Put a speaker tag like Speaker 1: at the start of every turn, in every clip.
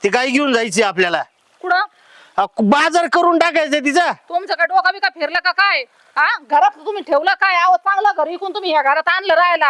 Speaker 1: ती गाय घेऊन जायची आपल्याला.
Speaker 2: कुठं
Speaker 1: बाजार करून टाकायचं तिचा.
Speaker 2: तुमचं काय डोका बिका फिरलं का काय? हा घरात तुम्ही ठेवलं काय? अहो चांगलं घर इकून तुम्ही ह्या घरात आणलं राहायला.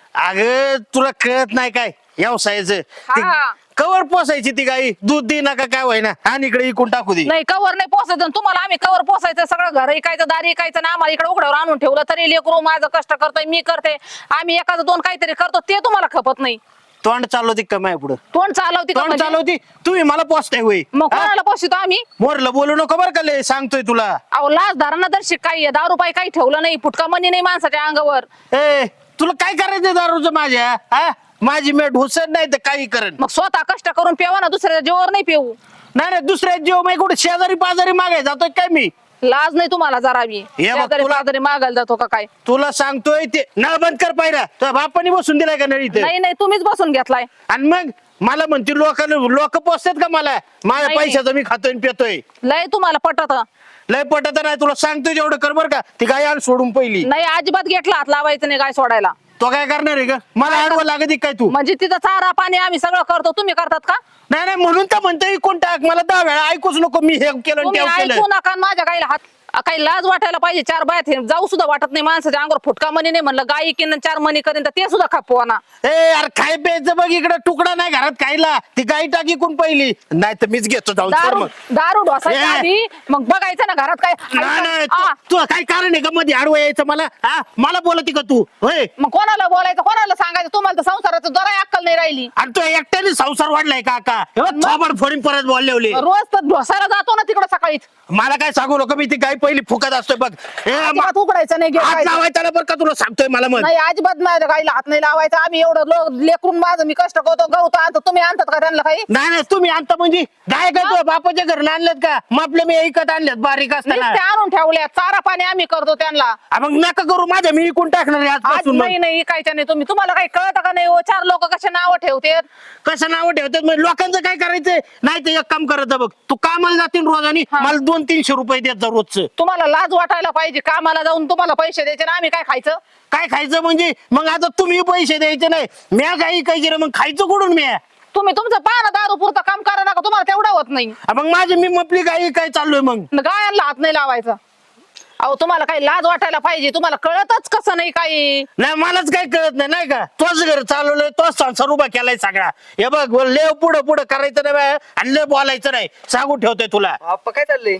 Speaker 1: अगं तुला कळत नाही काय व्यवसायाचं.
Speaker 2: हा.
Speaker 1: कवर पोसायची ती गाई, दूध दे नका काय व्हायना आणि इकडे इकून टाकू दे.
Speaker 2: नाही कवर नाही पोसायचं आणि तुम्हाला आम्ही कवर पोसायचं सगळं घर इकायचं दारी इकायचं ना आम्हाला इकडे उघड्यावर आणून ठेवलं तरी लेकरू माझं कष्ट करतोय मी करते आम्ही एखादं दोन काहीतरी करतो ते तुम्हाला खपत नाही.
Speaker 1: तोंड चालवती कमाय पुढं.
Speaker 2: तोंड चालवती का
Speaker 1: तोंड
Speaker 2: म्हणजे?
Speaker 1: चालवती तुम्ही मला पोचताय होई.
Speaker 2: मग कोणाला पोसतो आम्ही?
Speaker 1: मोरला बोलू नको बरं का लय सांगतोय तुला.
Speaker 2: अहो लाज धारणा तर शिकाई 10 रुपये काही ठेवलं नाही फुटका मनी नाही माणसाच्या अंगावर.
Speaker 1: ए तुला काय करायचं दारूचं माझ्या? हा माझी मेट हुसत नाही तर काही करण.
Speaker 2: मग स्वतः कष्ट करून पेवा ना दुसऱ्या जीवावर नाही पेऊ.
Speaker 1: नाही नाही दुसऱ्या जीव मी कुठे शेजारी पाजारी मागाय जातोय काय मी?
Speaker 2: लाज नाही तुम्हाला जरा बी.
Speaker 1: हे बघ
Speaker 2: शेजारी
Speaker 1: तुला-
Speaker 2: पाजारी मागायला जातो का काय?
Speaker 1: तुला सांगतोय ते नळ बंद कर पाहिला तुझ्या बापाने बसून दिलाय का नळ इथे?
Speaker 2: नाही नाही तुम्हीच बसून घेतलाय.
Speaker 1: आणि मग मला म्हणते लोक पोचतात का मला? माझ्या
Speaker 2: नाही.
Speaker 1: पैशाचं मी खातोय आणि पितोय.
Speaker 2: लय तुम्हाला पटत
Speaker 1: लय पटत नाही तुला सांगतोय जेवढं कर बर का. ती गाय आण सोडून पहिली.
Speaker 2: नाही अजिबात घेतला हात लावायचं नाही काय सोडायला.
Speaker 1: तो काय करणार आहे का? मला आडवं लागत काय तू?
Speaker 2: म्हणजे तिथं चारा पाणी आम्ही सगळं करतो तुम्ही करतात का?
Speaker 1: नाही नाही म्हणून तर म्हणतोय कोण टाक मला 10 वेळा ऐकूच नको मी हे केलं आणि
Speaker 2: तुम्ही
Speaker 1: ते केलं.
Speaker 2: ऐकू नका आणि माझ्या गाईला हात काही लाज वाटायला पाहिजे. 4 बायात हे जाऊ सुद्धा वाटत नाही माणसाच्या अंगावर फुटका मनी नाही म्हणलं गाई किन 4 मनी करेन तर ते सुद्धा खापवा ना.
Speaker 1: ए यार खाय प्यायचं बघ इकडे तुकडा नाही घरात खायला. ती गाय टाकी कोण पहिली नाही तर मीच घेतो जाऊन सोड
Speaker 2: दारू
Speaker 1: मग.
Speaker 2: दारू ढोसायच्या
Speaker 1: ए.
Speaker 2: आधी मग बघायचं ना घरात काय
Speaker 1: नाही नाही
Speaker 2: आ,
Speaker 1: तू काय कारण आहे का मध्ये आडवं यायचं मला? हा मला बोलती का तू? होय
Speaker 2: मग कोणाला बोलायचं कोणाला सांगायचं? तुम्हाला तर संसाराचं जरा अक्कल नाही राहिली.
Speaker 1: आणि तू एकट्याने संसार वाढलाय का का? थोबड फोडीन परत बोलले
Speaker 2: रोज तर ढोसायला जातो ना तिकडं सकाळीच.
Speaker 1: मला काय सांगू नको मी ती गाय पहिली फुकत असतोय बघ.
Speaker 2: अजिबात उघडायचं नाही
Speaker 1: हात
Speaker 2: घेवायचं.
Speaker 1: लावायचा ना बरं का तुला सांगतोय मला मग.
Speaker 2: नाही अजिबात माझ्या गाईला हात नाही लावायचा. आम्ही एवढं लेकरून माझं मी कष्ट करतो गवतो आणतो तुम्ही आणतात का त्यांना काही?
Speaker 1: नाही नाही तुम्ही आणता म्हणजे गाय काय तुझ्या बापाच्या घरून आणल्यात का? मग आपले मी ऐकत आणल्यात बारीक असताना.
Speaker 2: नुसते आणून ठेवल्या चारा पाणी आम्ही करतो त्यांना.
Speaker 1: मग नका करू माझ्या मी इकून टाकणार आहे
Speaker 2: आज
Speaker 1: आजपासून. मग
Speaker 2: नाही नाही इकायच्या नाही तुम्ही. तुम्हाला काही कळतं का नाही? 4 लोक कसे नाव ठेवते.
Speaker 1: कसं नाव ठेवतात मग लोकांचं काय करायचंय? नाही तर एक काम करायचं बघ तू कामाला जातील रोज आणि
Speaker 2: हा.
Speaker 1: मला 200-300 रुपये देत जा रोजचं.
Speaker 2: तुम्हाला लाज वाटायला पाहिजे. कामाला जाऊन तुम्हाला पैसे द्यायचे ना आम्ही काय खायचं?
Speaker 1: काय खायचं म्हणजे? मग आता तुम्ही पैसे द्यायचे नाही म्या काही काही मग खायचं कुठून म्या?
Speaker 2: तुम्ही तुमचं पाहा दारू पुरतं काम करा नका तुम्हाला तेवढं होत नाही.
Speaker 1: मग माझी मी मपली गाई काय चाललोय मग?
Speaker 2: गायांना हात नाही लावायचा. अहो तुम्हाला काही लाज वाटायला पाहिजे. तुम्हाला कळतच कसं नाही काही.
Speaker 1: नाही मलाच काही कळत नाही नाही का? तोच घर चालवलंय तोच संसार उभा केलाय सगळा. हे बघ लय पुढं पुढं करायचं नाही बा, आणि लय बोलायचं नाही सांगून ठेवतोय तुला.
Speaker 3: आप्पा काय चाललंय?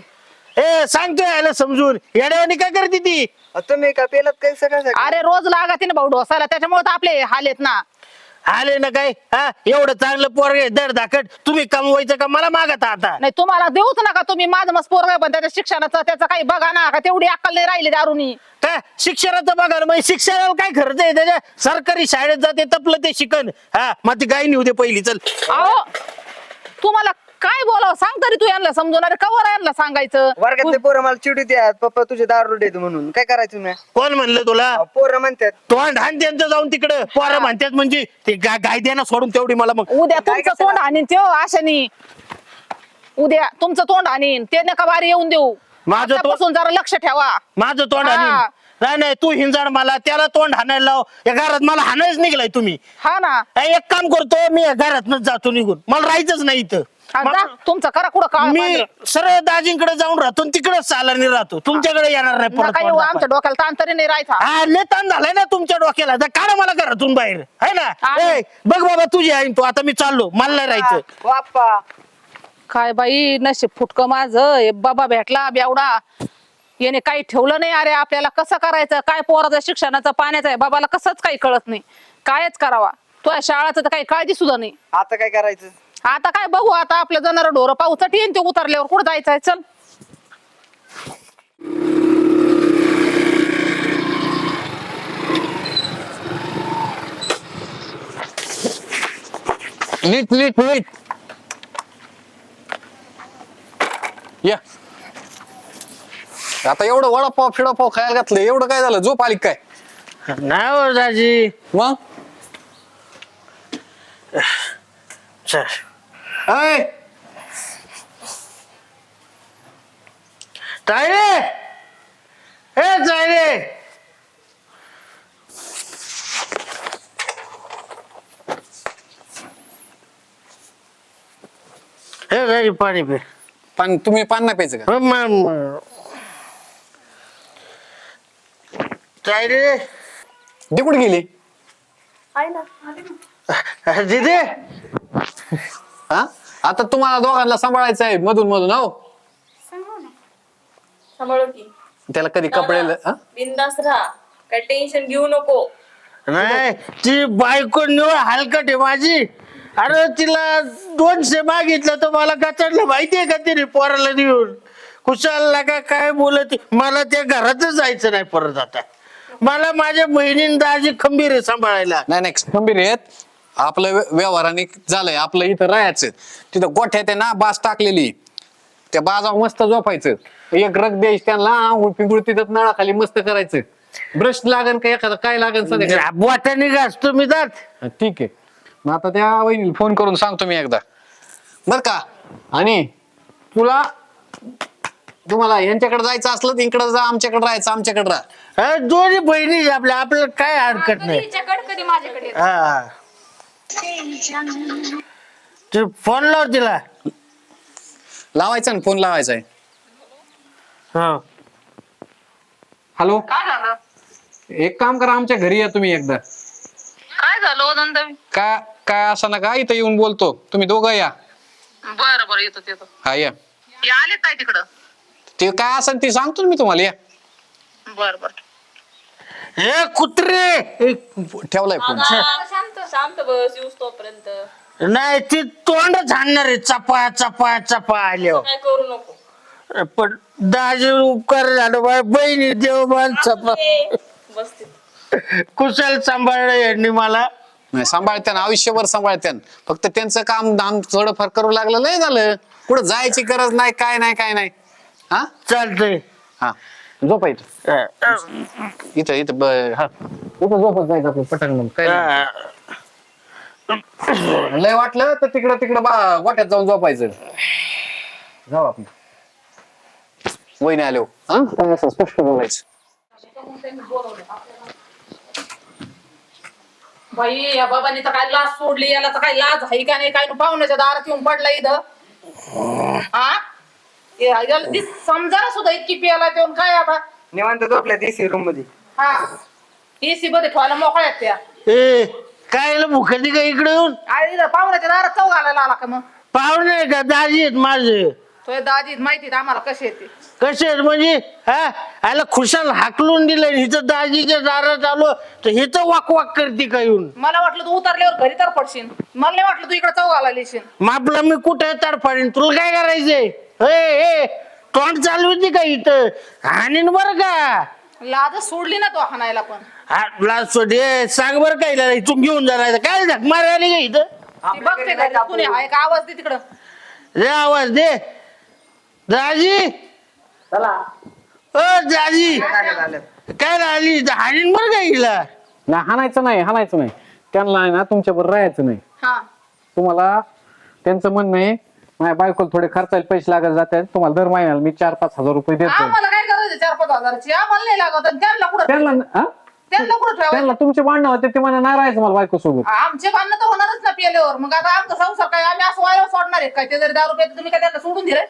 Speaker 1: ए सांगतोय याला समजून. येड्यावानी काय करते ती?
Speaker 3: तुम्ही का पेलात काय सकाळ सकाळ?
Speaker 2: अरे रोज लागत ना भाऊ ढोसायला त्याच्यामुळे तर आपले हाल आहेत ना.
Speaker 1: आले ना काय? हा एवढं चांगलं पोरग आहे दड धाकट तुम्ही कमवायचं का मला मागता आता?
Speaker 2: नाही तुम्हाला देऊच नका तुम्ही. माझं मस्त पोरग आहे पण त्याच्या शिक्षणाचं त्याचं काही बघा ना का तेवढी अक्कल नाही राहिली दारूनी.
Speaker 1: काय शिक्षणाचं बघा ना, मग शिक्षणाला काय खर्च आहे त्याच्या? सरकारी शाळेत जाते तपलं ते शिकन. हा मग ती गाय नेऊ दे पहिली चल.
Speaker 2: अहो तुम्हाला काय बोलावं सांग तरी तू यांना समजून. अरे कवर यांना सांगायचं.
Speaker 3: वर्गातले पोरं मला चिडू द्या पप्पा तुझे दारू देतो म्हणून काय करायचं मी?
Speaker 1: कोण म्हणलं तुला?
Speaker 3: पोरं म्हणतात
Speaker 1: तोंड हाण त्यांचं जाऊन तिकडं. पोरं म्हणतात म्हणजे ते गाय द्या सोडून तेवढी मला मग.
Speaker 2: उद्या
Speaker 3: काय
Speaker 2: तुमचं
Speaker 3: कसं
Speaker 2: तोंड हाणीन त्यो आशानी. उद्या तुमचं तोंड हाणीन ते नका बारी येऊन देऊ.
Speaker 1: माझं
Speaker 2: आतापासून जरा लक्ष ठेवा.
Speaker 1: माझं तोंड
Speaker 2: हा.
Speaker 1: हाणीन. नाही नाही तू हिंजाड मला त्याला तोंड हाणायला लाव. या घरात मला हाणायच निघलाय तुम्ही.
Speaker 2: हा ना
Speaker 1: एक काम करतो मी या घरातनच जातो निघून. मला राहायचंच नाही इथं.
Speaker 2: हा, जा. तुमचं करा कुठं काळ
Speaker 1: मी सरळ दाजींकडे जाऊन राहतो तिकडेच चालानी राहतो. तुमच्याकडे येणार नाही परत
Speaker 2: नका येऊ. आमच्या डोक्याला ताण तरी नाही राहायचा.
Speaker 1: हा लय ताण झालाय ना तुमच्या डोक्याला. जा काढा मला घरातून बाहेर है ना.
Speaker 2: आहे.
Speaker 1: ए, बघ बाबा तुझी आहे तू आता मी चाललो मला नाही राहायचं.
Speaker 3: हो आप्पा
Speaker 2: काय बाई नशीब फुटकं माझं. हे बाबा भेटला बेवडा. याने काही ठेवलं नाही. अरे आपल्याला कसं करायचं काय? पोराचं शिक्षणाचं पाण्याचं आहे. बाबाला कसंच काही कळत नाही. कायच करावा. तो शाळाचं तर काही काळजी सुद्धा नाही.
Speaker 3: आता काय करायचं?
Speaker 2: आता काय बघू. आता आपलं जनावर ढोरं पाऊसट येईन ते उतरल्यावर कुठं जायचंय. चल
Speaker 4: नीट नीट नीट या. आता एवढं वडापाव फिडापाव खायला घातलं एवढं काय झालं? झोप आली काय?
Speaker 1: नाही हो दाजी.
Speaker 4: मग
Speaker 1: चल. ऐ, तायडे ए तायडे. हे राजी पाणी पे
Speaker 4: पण तुम्ही पान नाही प्यायचं का?
Speaker 1: काय रे
Speaker 4: ती कुठे गेली?
Speaker 1: दिदी
Speaker 4: हा आता तुम्हाला दोघांना सांभाळायचं आहे मधून मधून हो.
Speaker 5: सांभाळू की
Speaker 4: त्याला कधी कपडे हा?
Speaker 5: बिंदास राहा, काय टेन्शन घेऊ नको.
Speaker 1: नाही ती बायको निवड हलकट आहे माझी. अरे तिला 200 मागितलं तर मला कचडलं माहितीये का तिने पोराला देऊन. कुशाल का काय बोलत मला त्या घरातच जायचं नाही परत आता. मला माझ्या बहिणीने दाजी खंबीर आहे सांभाळायला.
Speaker 4: नाही नाही खंबीर आहेत आपलं व्यवहाराने झालंय आपलं इथं राहायचं. तिथं गोठ्यात आहे ना बास टाकलेली त्या बाजावर मस्त झोपायचं. एक रग द्यायची त्यांना आंघोळ पिंगुळ तिथं नळाखाली मस्त करायचं. ब्रश लागन का एखादा काय लागन सध्या
Speaker 1: बोटाने घासतो मी दात.
Speaker 4: ठीक आहे मग आता त्या वहिनीला फोन करून सांगतो मी एकदा बर का. आणि तुम्हाला यांच्याकडे जायचं असलं तर इकडे जा आमच्याकडे राहायचं आमच्याकडे राहा.
Speaker 1: दोन्ही बहिणी आपल्या आपल्याला काय हरकत नाही.
Speaker 5: कधी माझ्याकडे येतं.
Speaker 1: हा तू फोन लाव तिला.
Speaker 4: लावायचा ना फोन लावायचा आहे.
Speaker 1: हा
Speaker 4: हॅलो
Speaker 2: काय झालं
Speaker 4: एक काम करा आमच्या घरी या तुम्ही एकदा.
Speaker 2: काय झालं ओ नंदवी?
Speaker 4: काय काय असं ना का इथं येऊन बोलतो तुम्ही दोघं या.
Speaker 2: बरं बरं येतो.
Speaker 4: हा या
Speaker 2: आले काय तिकडं?
Speaker 4: ते काय असेल ते सांगतो ना मी तुम्हाला या.
Speaker 2: बरं
Speaker 1: हे कुत्रे
Speaker 4: ठेवलाय फोन.
Speaker 5: शांत बस येऊस तोपर्यंत.
Speaker 1: नाही ती तोंड झाडणार आहे चपा चपा चपा आल्यावर.
Speaker 5: काय करू नको.
Speaker 1: पण दाजी उपकार झालं बा बहिणी देवबान चपा
Speaker 5: बसते.
Speaker 1: कुशल सांभाळलं यांनी मला.
Speaker 4: नाही सांभाळत्यान आयुष्यभर सांभाळत्यान फक्त त्यांचं काम दाम थोडंफार करू लागलं लय झालं. कुठं जायची गरज नाही काय नाही हा
Speaker 1: चालतंय.
Speaker 4: हा झोपा इथं इथं हा इथं झोपत जायचं आपलं पटकन काय नाही. लय वाटलं तर तिकडं वाट्यात जाऊन झोपायचं. जाऊ आपण वहिनी आलो हा काय असं स्पष्ट बोलायचं.
Speaker 2: बाई या बाबांनी तर काय लाज सोडली. याला तर काय लाज आहे का नाही काय पाहुण्याच्या दारात येऊन पडला इथं. हा समजा सुद्धा इतकी पियाला येऊन काय आता.
Speaker 3: निवांत झोपल्या देसी रूम मध्ये.
Speaker 2: हा एसी मध्ये ठेवायला मोकळ्या आहेत त्या.
Speaker 1: ए काय मुखती का इकडे येऊन
Speaker 2: आणि इथं पाहुण्याच्या दारात चौ घालायला आला का मग?
Speaker 1: पाहुणे आहे का दाजी आहेत माझे.
Speaker 2: तो दाजी माहिती आम्हाला कशी येते.
Speaker 1: कसे आहेत म्हणजे हा आला खुशाल हाकलून दिलं हिचं दाजीच्या दारात आलो तर हिचं वाक वाक करते का येऊन.
Speaker 2: मला वाटलं तू उतरल्यावर घरी तर पडशील. मला नाही वाटलं तू इकडे चौ घालायला येशील.
Speaker 1: मापला मी कुठे तडफाडीन तुला काय करायचंय. ए तोंड चालू होती का इथं हाणीन बरं का.
Speaker 2: लाज सोडली ना तो हाणायला पण.
Speaker 1: लाज सोडे सांग बरं काय इथून घेऊन जाणार काय झक मारायला का इथं.
Speaker 2: ती बघते घरी कुणी आहे का आवाज दे तिकडं.
Speaker 1: रे आवाज दे दाजी.
Speaker 3: चला
Speaker 1: ओ दाजी
Speaker 3: झालं.
Speaker 1: काय राहिली हाणीन बरं का हिला.
Speaker 4: नाही हाणायचं नाही त्यांना आहे ना तुमच्या बरोबर राहायचं नाही.
Speaker 2: हा
Speaker 4: तुम्हाला त्यांचं म्हणणं आहे माझ्या बायकोला थोडे खर्चायला पैसे लागत जातात तुम्हाला दर महिन्याला मी 4-5 हजार रुपये देतो.
Speaker 2: आम्हाला काय करायचं 4-5 हजाराची. आम्हाला नाही लागत. आणि त्यांना कुठं त्यांना कुठं ठेवायचं.
Speaker 4: त्यांना तुमचे भांडणं होते ते म्हणा नाही राहायचं मला बायको सोबत.
Speaker 2: आमचे भांडणं तर होणारच ना पिल्यावर. मग आता आमचा संसार काय आम्ही असं वाया सोडणार आहे काय? ते जरी 10 रुपये तुम्ही काय त्यांना सोडून दिले.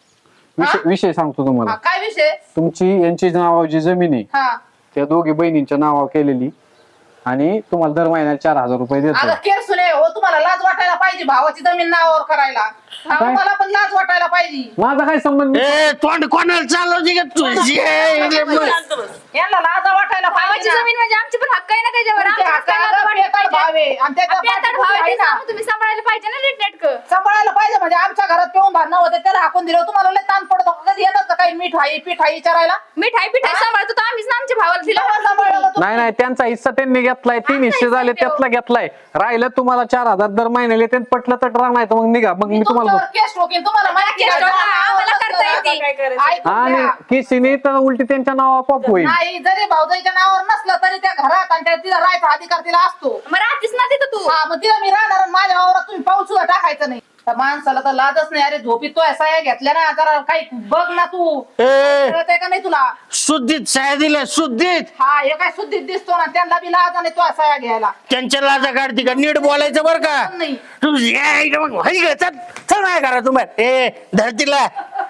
Speaker 4: विषय सांगतो तुम्हाला.
Speaker 2: काय विषय?
Speaker 4: तुमची यांची नावावर जी जमीन आहे
Speaker 2: हा
Speaker 4: त्या दोघी बहिणींच्या नावावर केलेली आणि तुम्हाला दर महिन्याला 4,000 रुपये देतो.
Speaker 2: आता केर सुने हो तुम्हाला लाज वाटायला पाहिजे भावाची जमीन नावावर करायला.
Speaker 4: काय?
Speaker 2: मला पण लाज वाटायला पाहिजे.
Speaker 4: माझा काय संबंध.
Speaker 1: ए तोंड कोणाला चालवते का तुझी.
Speaker 5: शांत बस.
Speaker 2: यांना लाज वाटायला
Speaker 6: भावाची
Speaker 2: पाहिजे.
Speaker 6: जमीन म्हणजे आमची पण हक्क आहे ना त्याच्यावर. आमचंच काय लाज वाटायला पाहिजे. तुम्ही सांभाळायला पाहिजे ना नीटनेटकं.
Speaker 2: सांभाळायला पाहिजे म्हणजे आमच्या घरात पिऊन भांडणं होते त्याला हाकून दिलं. तुम्हाला लय ताण पडतो कधी येतात का काही मिठाई पिठाई विचारायला.
Speaker 6: मिठाई पिठाई सांभाळतो तर आम्हीच ना आमच्या भावाला दिलं.
Speaker 2: तेव्हा सांभाळलं का तुम्ही?
Speaker 4: नाही त्यांचा हिस्सा त्यांनी घेतलाय 3 हिस्से झाले त्यातला घेतलाय. राहिलं तुम्हाला 4,000 दर महिन्याला ते पटलं तर राहणार तर मग निघा मग मी तुम्हाला
Speaker 2: तुमच्यावर केस ठोकीन. तुम्हाला माहिती आहे
Speaker 6: केस
Speaker 2: का?
Speaker 6: ठोका, आम्हाला करता येते.
Speaker 5: काय करायचं?
Speaker 2: ऐकून
Speaker 4: आणि
Speaker 2: घ्या.
Speaker 4: किसीने तर उलटी त्यांच्या नावावर पॉप होईल.
Speaker 2: नाही जरी भाऊजाईच्या नावावर नसलं तरी त्या घरात आणि त्या तिला राहायचा अधिकार तिला असतो.
Speaker 6: मग राहतीस ना तिथं तू.
Speaker 2: हा मग तिला मी राहणार आणि माझ्या वावरात तुम्ही पाऊल सुद्धा टाकायचं नाही. त्या माणसाला तर लाजच नाही. अरे झोपी तो साया घेतल्या ना, जरा काही बघ ना तू,
Speaker 1: ए
Speaker 2: कळतंय का नाही तुला?
Speaker 1: शुद्धीत साया दिल्या शुद्धीत.
Speaker 2: हा हे काय शुद्धीत दिसतो ना, त्यांना बी लाज नाही तो साया घ्यायला.
Speaker 1: त्यांच्या लाजा काढते का? नीट बोलायचं बरं का.
Speaker 2: नाही.
Speaker 1: तू चल नाही करा तुम्हाला. ए धरतीला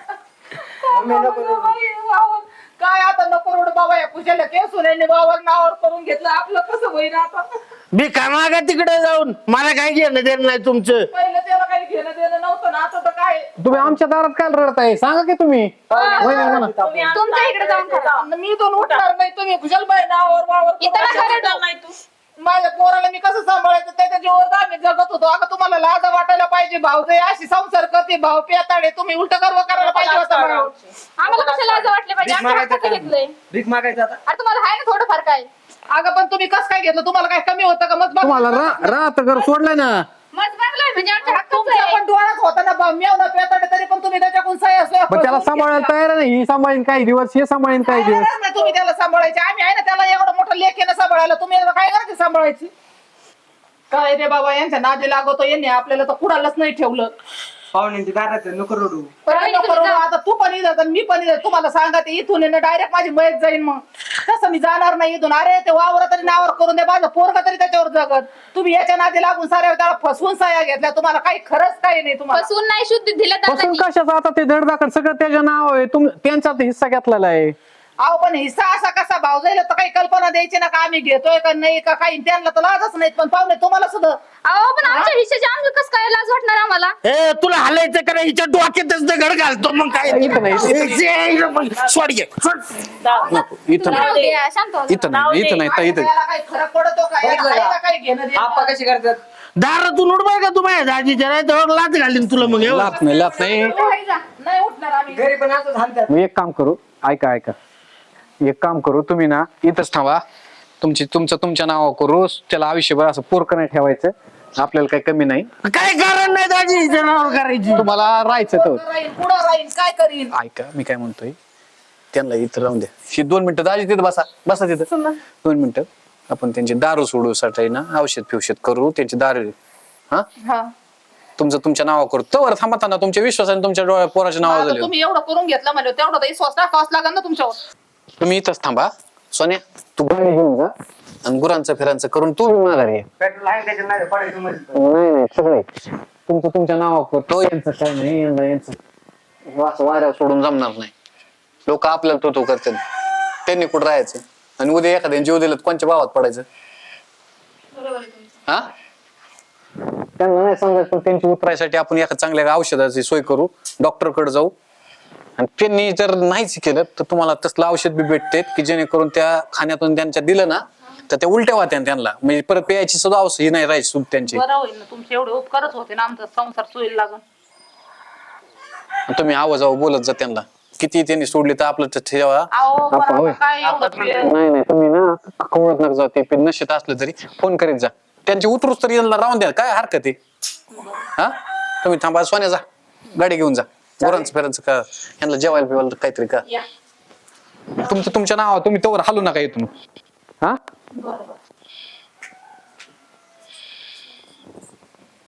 Speaker 2: काय आता नको रोड बाबा, या पूजेला केस सुनेने बाबावर नावावर करून घेतलं, आपलं कसं होईल आता?
Speaker 1: मी कामा का तिकडे जाऊन, मला काय घेणं देणं नाही तुमचं.
Speaker 2: पहिलं त्याला काही घेणं देणं नव्हतं ना, आता तर काय.
Speaker 4: तुम्ही आमच्या दारात काय रडताय सांगा की तुम्ही. वहिनी म्हणा.
Speaker 6: तुमच्या इकडे जाऊन करा.
Speaker 2: मी दोन उठणार नाही, तुम्ही कुशल बाई नावावर वावर
Speaker 6: इथं
Speaker 2: करून
Speaker 6: नका
Speaker 2: घेतलं.
Speaker 6: रडू.
Speaker 5: नाही तू
Speaker 2: माझ्या पोराला मी कसं सांभाळायचं त्याच्या जीवावर आम्ही जगत होतो. अगं तुम्हाला लाज वाटायला पाहिजे. भाऊ जे अशी संसार करते, भाऊ पेताडे, तुम्ही उलट गर्व करायला पाहिजे होता भाऊ.
Speaker 6: आम्हाला कशाला लाज वाटले पाहिजे?
Speaker 3: भीक
Speaker 6: आमच्या
Speaker 3: मागायचं
Speaker 6: हक्काचं
Speaker 3: का?
Speaker 6: घेतलंय.
Speaker 3: भीक मागायचं आता.
Speaker 6: अरे तुम्हाला आहे ना थोडं फार काय?
Speaker 2: अगं पण तुम्ही कसं काय घेतलं? तुम्हाला काय कमी होतं का? मग
Speaker 4: तुम्हाला राहत घर सोडलंय ना.
Speaker 6: मज मागलाय म्हणजे आमच्या हक्काचं
Speaker 2: तुमच्या
Speaker 6: आहे.
Speaker 2: पण डोळ्यात होता ना भाऊ, मेवना पेताडे, तरी पण तुम्ही त्याच्याकडून सही असो.
Speaker 4: पण त्याला सांभाळायला तयार नाही. ही सांभाळीन काही दिवस, हे सांभाळीन काही दिवस.
Speaker 2: नाही तुम्ही त्याला सांभाळायचे. आम्ही आहे ना त्याला एवढं मोठं लेख आहे ना सांभाळायला. तुम्ही याला काय करायचं सांभाळायची? काय रे बाबा, यांच्या नादी लागतो यांनी आपल्याला तर कुणालाच नाही ठेवलं.
Speaker 3: पाहुण्यांची दारात नको रडू.
Speaker 2: काय नको रडू, आता तू पण इथं आणि मी पण इथं. तुम्हाला सांगा ते इथून डायरेक्ट माझी मयत जाईन. मग तसं मी जाणार नाही इथून. अरे ते वावर तरी नावावर करून दे, माझं पोरगा तरी त्याच्यावर जगत. तुम्ही याच्या नादी लागून साऱ्या त्याला फसवून साया घेतल्या. तुम्हाला काही खरंच काही नाही तुम्हाला.
Speaker 6: फसवून नाही, शुद्ध दिलं
Speaker 4: पासून
Speaker 6: दादांनी.
Speaker 4: कशाचं आता ते धडधाकड सगळं त्याच्या नाव आहे. त्यांचा तर हिस्सा घेतलेला आहे.
Speaker 2: अहो पण हिस्सा असा कसा भाऊ जाईल तर काही कल्पना द्यायची ना का आम्ही घेतोय का नाही का काही. त्यांना तर लाजच नाहीत. पण पाहुणे तुम्हाला सुद्धा.
Speaker 6: अहो पण आमच्या हिश्श्याची आम्ही कसं काय लाज वाटणार आम्हाला?
Speaker 1: ए तुला हालायचं का नाही? हिच्या डोक्यातच दगड घालतो मग काय.
Speaker 4: इथं नाही,
Speaker 1: सोड घे सोड.
Speaker 4: नको, इथं
Speaker 6: राहू
Speaker 4: नाही,
Speaker 6: दे, शांत हो.
Speaker 4: इथं नाही, इथं नाही, ताई, इथं.
Speaker 2: याला काही फरक पडतो का? याला आहे का काही घेणं देणं?
Speaker 3: आप्पा कशी करतात?
Speaker 1: दारातून उडवाय का तुम्हाला दाजीच्या नाही तर लाच घालीन तुला मग. एवढं.
Speaker 4: लात नाही, लात नाही.
Speaker 2: नाही उठणार आम्ही.
Speaker 3: घरी पण असंच हाणतात.
Speaker 4: मी एक काम करू, ऐका एक काम करू, तुम्ही ना इथंच थांबा. तुमच्या नावावर करू. त्याला आयुष्यभर असं पोरकं नाही ठेवायचं. आपल्याला काही कमी नाही.
Speaker 1: काय कारण नाही दाजी हिच्या नावावर करायची.
Speaker 4: तुम्हाला राहायचं तर
Speaker 2: पुढं राहीन काय करीन?
Speaker 4: ऐका मी काय म्हणतोय, त्यांना इथं राहून द्या. ही 2 मिनिटं दाजी तिथं बसा तिथं 2 मिनिटं. आपण त्यांची दारू सोडूसाठी ना औषध फिवषध करू. त्यांची दारू हा तुमच्या नावावर करू. तर थांबा ना, तुमच्या विश्वासाने तुमच्या पोराच्या नावावर
Speaker 2: आता
Speaker 4: झाले.
Speaker 2: तुम्ही एवढं करून घेतलं म्हणजे तेवढं तर विश्वास टाकावाच लागेल ना तुमच्यावर.
Speaker 4: तुम्ही इथंच थांबा. सोन्या तू गाडी घेऊन जा आणि गुरांचं फिरांचं करून तू माघारी ये.
Speaker 3: पेट्रोल आहे त्याच्यात नाही पडायचं मध्ये.
Speaker 4: नाही सगळे तुमच्या नावावर करतो. यांचं काय नाही, यांचं असं वाऱ्यावर सोडून जमणार नाही. लोक आपल्याला तो करतात. त्यांनी कुठं राहायचं आणि उद्या एखाद्या जीव दिलं तर कोणच्या भावात पडायचं? हा त्यांना नाही सांगायचं. पण त्यांची उतरायसाठी आपण एका चांगल्या औषधाची सोय करू. डॉक्टरकडे जाऊ. आणि त्यांनी जर नाहीच केलं तर तुम्हाला तसलं औषध बी भेटते की जेणेकरून त्या खाण्यातून त्यांच्या दिलं ना तर ते उलट्या होत्या त्यांना. म्हणजे परत प्यायची सुद्धा औषध ही नाही राहायची सुद्धा त्यांची.
Speaker 2: बरं होईल ना, तुमचे एवढे उपकारच होते ना, आमचा संसार सोयीला लागून.
Speaker 4: तुम्ही आवाजाव बोलत जा त्यांना. किती त्यांनी सोडली तर आपलं तर ठेवा.
Speaker 2: अहो
Speaker 4: आपण
Speaker 2: बरं,
Speaker 4: होय.
Speaker 2: काय एवढं
Speaker 4: नाही तुम्ही ना कवळत नका जाऊ. ते नशेत असलं तरी फोन करीत जा. त्यांची उतरूच तरी यांना राहून द्या. काय हरकत आहे? हा तुम्ही थांबा. सोन्या जा गाडी घेऊन जा. गुरांचं फिरांचं का यांना जेवायला बिवायला काहीतरी का. तुमच्या नावावर तुम्ही तोवर हालू नका इथून. हा